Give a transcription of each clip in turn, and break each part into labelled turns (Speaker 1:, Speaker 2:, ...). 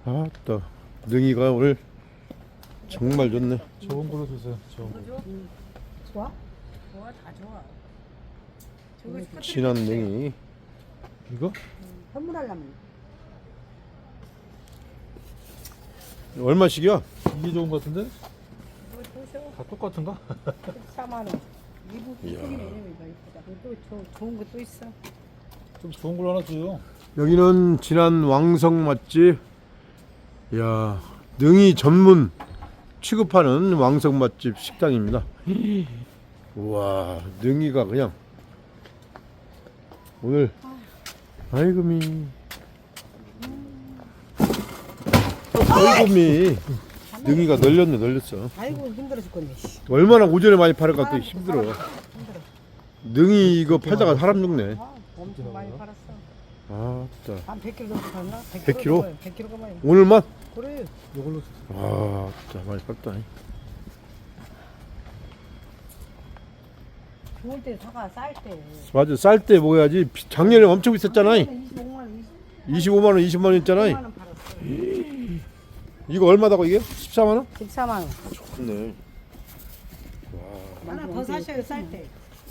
Speaker 1: 아따, 능이가 오늘 정말 좋네.
Speaker 2: 좋은 걸로 주세요. 좋은 거.
Speaker 3: 좋아?
Speaker 4: 좋아, 다 좋아. 저거 스쿼트
Speaker 1: 진한 능이.
Speaker 2: 이거?
Speaker 3: 선물하려면
Speaker 1: 얼마씩이야?
Speaker 2: 이게 좋은 거 같은데?
Speaker 4: 이거 보셔.
Speaker 2: 다 똑같은가?
Speaker 4: 14만 원.
Speaker 1: 이야.
Speaker 4: 이쁘기는 이거 이쁘다. 또 좋은 거 또 있어.
Speaker 2: 좀 좋은 걸로 하나 줘요.
Speaker 1: 여기는 진한 왕성 맛집. 야, 능이 전문 취급하는 왕성 맛집 식당입니다. 우와, 능이가 그냥 오늘 아이고미, 아이고미, 능이가 널렸어.
Speaker 3: 아이고 힘들어 죽겠네. 씨.
Speaker 1: 얼마나 오전에 많이 팔을까 또 힘들어. 능이 이거 팔다가 사람 죽네.
Speaker 4: 아, 엄청 많이 팔았어.
Speaker 1: 아따,
Speaker 4: 한 100kg 정도 팔나?
Speaker 1: 100kg?
Speaker 4: 100kg가 많이.
Speaker 1: 오늘만?
Speaker 4: 그래.
Speaker 2: 이걸로 주세요.
Speaker 1: 아따, 많이 팔다.
Speaker 4: 좋을 때 사가 쌀 때.
Speaker 1: 맞아, 쌀 때 먹어야지. 작년에 엄청 비쌌잖아.
Speaker 4: 25만 원,
Speaker 1: 25만 원, 20만 원 있잖아.
Speaker 4: 20만 원 팔았어.
Speaker 1: 이거 얼마다고 이게? 14만 원?
Speaker 4: 14만 원.
Speaker 1: 좋네.
Speaker 4: 하나 더 사셔요 쌀 때.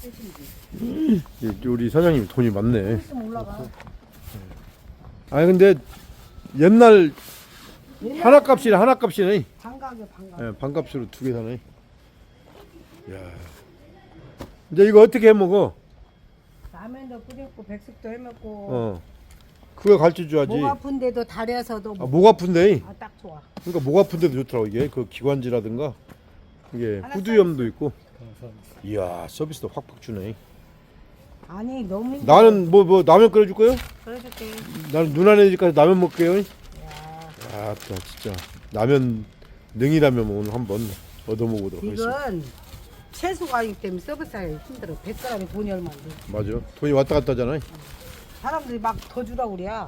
Speaker 1: 우리 사장님 돈이 많네.
Speaker 4: 좀 올라가.
Speaker 1: 아니 근데 옛날 하나 값이네.
Speaker 4: 반가게 반가.
Speaker 1: 예, 반값으로 두 개 사네. 야. 이제 이거 어떻게 해 먹어?
Speaker 4: 라면도 끓였고 백숙도 해 먹고.
Speaker 1: 어. 그거 가르쳐 줘야지.
Speaker 4: 목 아픈데도 다려서도
Speaker 1: 아, 목 아픈데.
Speaker 4: 딱 좋아.
Speaker 1: 그러니까 목 아픈데도 좋더라고 이게. 그 기관지라든가 이게
Speaker 4: 하나
Speaker 1: 후두염도 있고.
Speaker 2: 감사합니다.
Speaker 1: 이야, 서비스도 확확 주네.
Speaker 4: 아니 너무 힘들어.
Speaker 1: 나는 뭐 라면 끓여 줄 거요?
Speaker 4: 그래줄게.
Speaker 1: 나는 누나네 집까지 라면 먹게요.
Speaker 4: 야,
Speaker 1: 아따 진짜 라면 능이라면 오늘 한번 얻어 먹어보도록 하겠습니다.
Speaker 4: 이건 채소가 아니기 때문에 서비스하기 힘들어. 100g에 돈이 얼마인데.
Speaker 1: 맞아. 돈이 왔다 갔다 하잖아.
Speaker 4: 사람들이 막 더 주라고 그래야.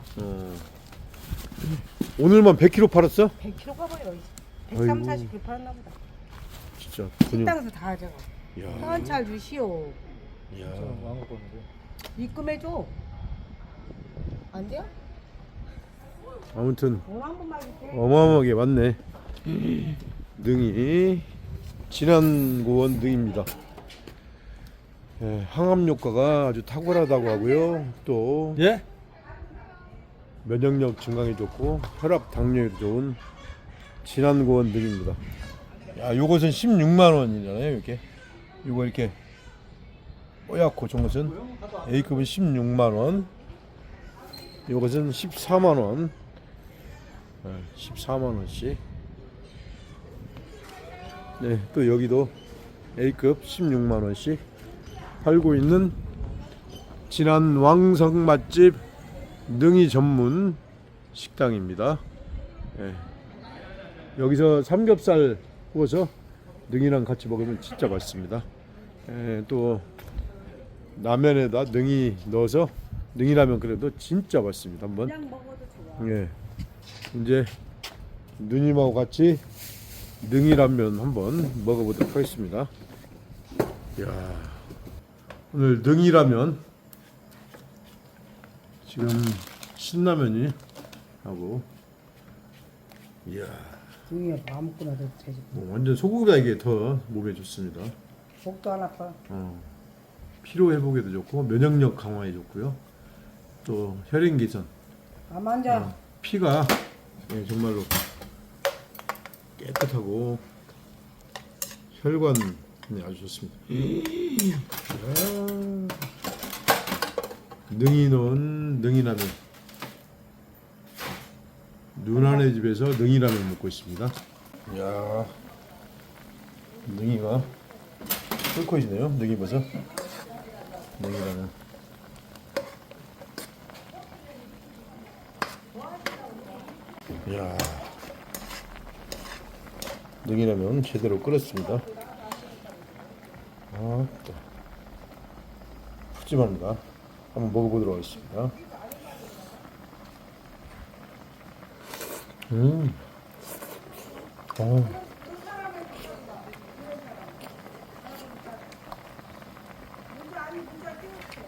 Speaker 1: 오늘만 100kg 팔았어?
Speaker 4: 100kg가 뭐예요?
Speaker 1: 아이고.
Speaker 4: 130, 40kg 팔았나 보다.
Speaker 1: 진짜 돈이.
Speaker 4: 식당에서 다 하잖아.
Speaker 1: 야.
Speaker 4: 현찰 주시오.
Speaker 1: 야.
Speaker 2: 저는 안 갖고 왔는데.
Speaker 4: 입금해줘. 안 돼요?
Speaker 1: 아무튼
Speaker 4: 돈 한 번만 줄게.
Speaker 1: 어마어마하게 많네. 능이 진한고원 능입니다. 예, 항암 효과가 아주 탁월하다고 하고요. 또
Speaker 2: 예?
Speaker 1: 면역력 증강에 좋고 혈압 당뇨에도 좋은 진한고원 능입니다. 야, 요것은 16만 원이잖아요. 이렇게 요거 이렇게 뽀얗고 좋은 것은 A급은 16만 원, 요것은 14만 원, 14만 원씩. 네, 또 여기도 A급 16만 원씩 팔고 있는 진한 왕성 맛집 능이 전문 식당입니다. 예. 여기서 삼겹살 구워서 능이랑 같이 먹으면 진짜 맛있습니다. 예, 또 라면에다 능이 넣어서 능이라면 그래도 진짜 맛있습니다. 한번.
Speaker 4: 그냥 먹어도 좋아.
Speaker 1: 예. 이제 누님하고 같이 능이라면 한번 먹어보도록 하겠습니다. 야, 오늘 능이라면 지금 신라면이 하고, 이야,
Speaker 4: 등이야 아무거나 도 되지.
Speaker 1: 완전 소고기가 이게 더 몸에 좋습니다.
Speaker 4: 목도 안 아파.
Speaker 1: 피로 회복에도 좋고 면역력 강화에 좋고요. 또 혈행 개선,
Speaker 4: 안 앉아.
Speaker 1: 피가 예, 정말로 깨끗하고 혈관이 아주 좋습니다. 능이 넣은 능이라면, 누나네 집에서 능이라면 먹고 있습니다. 이야, 능이가 꿀컷이네요. 능이버섯 능이라면. 이야, 능이라면 제대로 끓였습니다. 아, 또 푸짐합니다. 한번 먹어보도록 하겠습니다.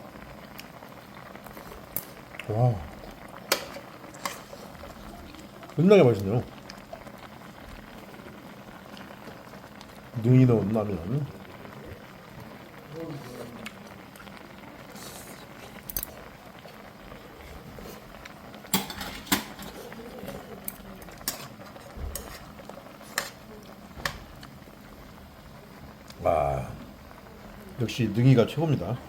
Speaker 1: 와. 겁나게 맛있네요. 능이 넣은 라면. 와, 역시 능이가 최고입니다.